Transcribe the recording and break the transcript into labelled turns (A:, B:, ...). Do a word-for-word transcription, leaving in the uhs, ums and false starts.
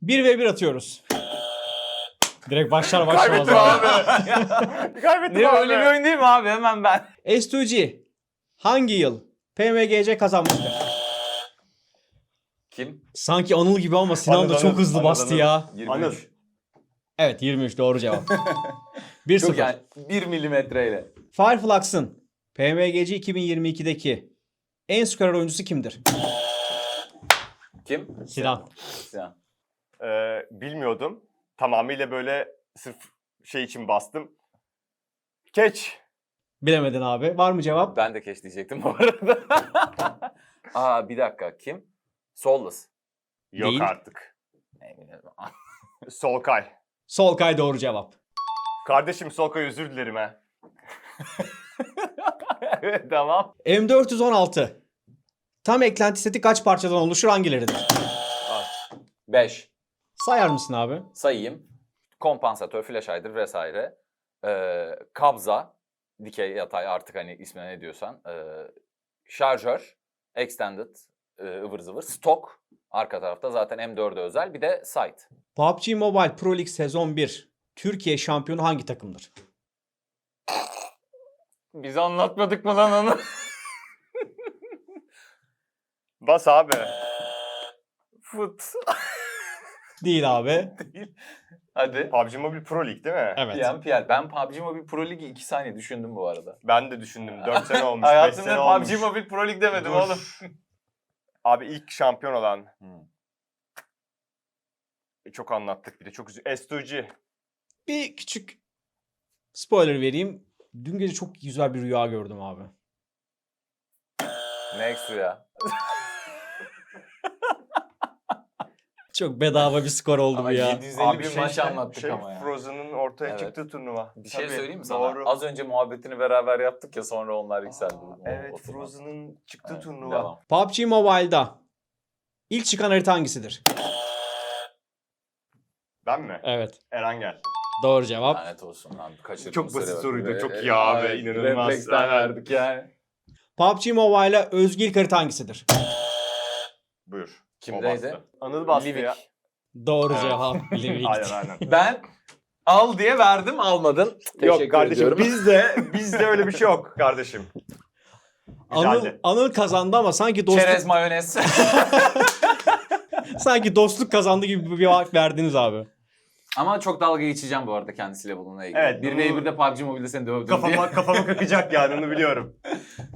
A: bir ve bir atıyoruz. Direkt başlar başlamaz.
B: Kaybettim abi. Kaybettim
C: Ne
B: abi.
C: öyle bir oyun değil mi abi? Hemen ben.
A: S iki G hangi yıl P M G C kazanmıştır?
C: Kim?
A: Sanki Anıl gibi ama Sinan
B: Anıl,
A: da çok
B: Anıl,
A: hızlı
B: Anıl,
A: bastı
B: Anıl.
A: ya.
C: yirmi
B: Anıl.
C: üç.
A: Evet yirmi üç doğru cevap. bir
C: Çok
A: sıfır.
C: yani bir milimetreyle.
A: Fireflux'ın P M G C iki bin yirmi ikideki en skorer oyuncusu kimdir?
C: Kim?
A: Sinan.
C: Sinan.
B: Ee, bilmiyordum. Tamamıyla böyle sırf şey için bastım. Keç.
A: Bilemedin abi. Var mı cevap?
C: Ben de keş diyecektim bu arada. Aa bir dakika. Kim? Soulless.
B: Yok
A: Değil.
B: artık.
C: Ne bileyim.
B: Solkay.
A: Solkay doğru cevap.
B: Kardeşim Solkay özür dilerim ha.
C: Evet tamam.
A: M dört yüz on altı tam eklenti seti kaç parçadan oluşur hangileridir?
C: beş.
A: Sayar mısın abi?
C: Sayayım. Kompansatör, flash hider vesaire. Ee, kabza, dikey yatay artık hani ismine ne diyorsan. Ee, şarjör, extended, e, ıvır zıvır. Stok arka tarafta zaten M dörde özel. Bir de sight.
A: P U B G Mobile Pro League sezon bir Türkiye şampiyonu hangi takımdır?
C: Biz anlatmadık mı lan onu?
B: Bas abi.
C: Fut.
A: Değil abi.
C: Değil. Hadi.
B: P U B G Mobile Pro League değil mi?
A: Evet.
C: P M P L. Ben P U B G Mobile Pro League'i iki saniye düşündüm bu arada.
B: Ben de düşündüm. dört sene olmuş, beş
C: Hayatımda
B: sene
C: P U B
B: olmuş.
C: G Mobile Pro League demedim
B: Dur.
C: oğlum.
B: Abi ilk şampiyon olan.
C: Hmm.
B: E, Çok anlattık bir de çok üzü. S iki G.
A: Bir küçük spoiler vereyim. Dün gece çok güzel bir rüya gördüm abi.
C: Ne ekstra ya?
A: Çok bedava bir skor oldu
C: Ama
A: bu ya.
C: yedi yüz elli bir maç
B: işte,
C: anlattık
B: şey,
C: ama ya.
B: Frozen'ın ortaya
C: Evet.
B: çıktığı turnuva.
C: Bir şey
B: Tabii,
C: söyleyeyim mi sana?
B: Doğru.
C: Az önce muhabbetini beraber yaptık ya sonra onlar yükseldi.
B: Aa,
C: O-
B: evet,
C: o turnuva.
B: Frozen'ın çıktığı
C: Evet,
B: turnuva.
C: devam.
A: P U B G Mobile'da ilk çıkan harita hangisidir?
B: Ben mi?
A: Evet.
B: Erangel.
A: Doğru cevap.
C: Lanet olsun lan. Kaçırdım
B: Çok basit
C: süre bak.
B: soruydu,
C: Ve-
B: çok
C: e,
B: iyi abi,
C: evet,
B: inanılmaz.
C: Refleksten
B: Evet.
C: verdik yani.
A: P U B G Mobile'a özgü ilk harita hangisidir?
B: Buyur.
C: Kimdeydi?
B: O bastı. Anıl bastı
C: Livik.
B: ya.
A: Doğru
B: Evet.
A: cevap. Livik.
B: Aynen aynen.
C: Ben al diye verdim almadın. Teşekkür
B: Yok kardeşim
C: ediyorum.
B: bizde bizde öyle bir şey yok kardeşim.
A: Anıl,
B: Güzeldi.
A: Anıl kazandı ama sanki dostluk,
C: Çerez mayonez.
A: sanki dostluk kazandı gibi bir vaat verdiniz abi.
C: Ama çok dalga geçeceğim bu arada kendisiyle bununla ilgili.
B: Evet,
C: bir
B: bunu-
C: ve birde P U B G Mobile'de seni dövdüm diye.
B: Kafama kafama kakacak yani onu biliyorum.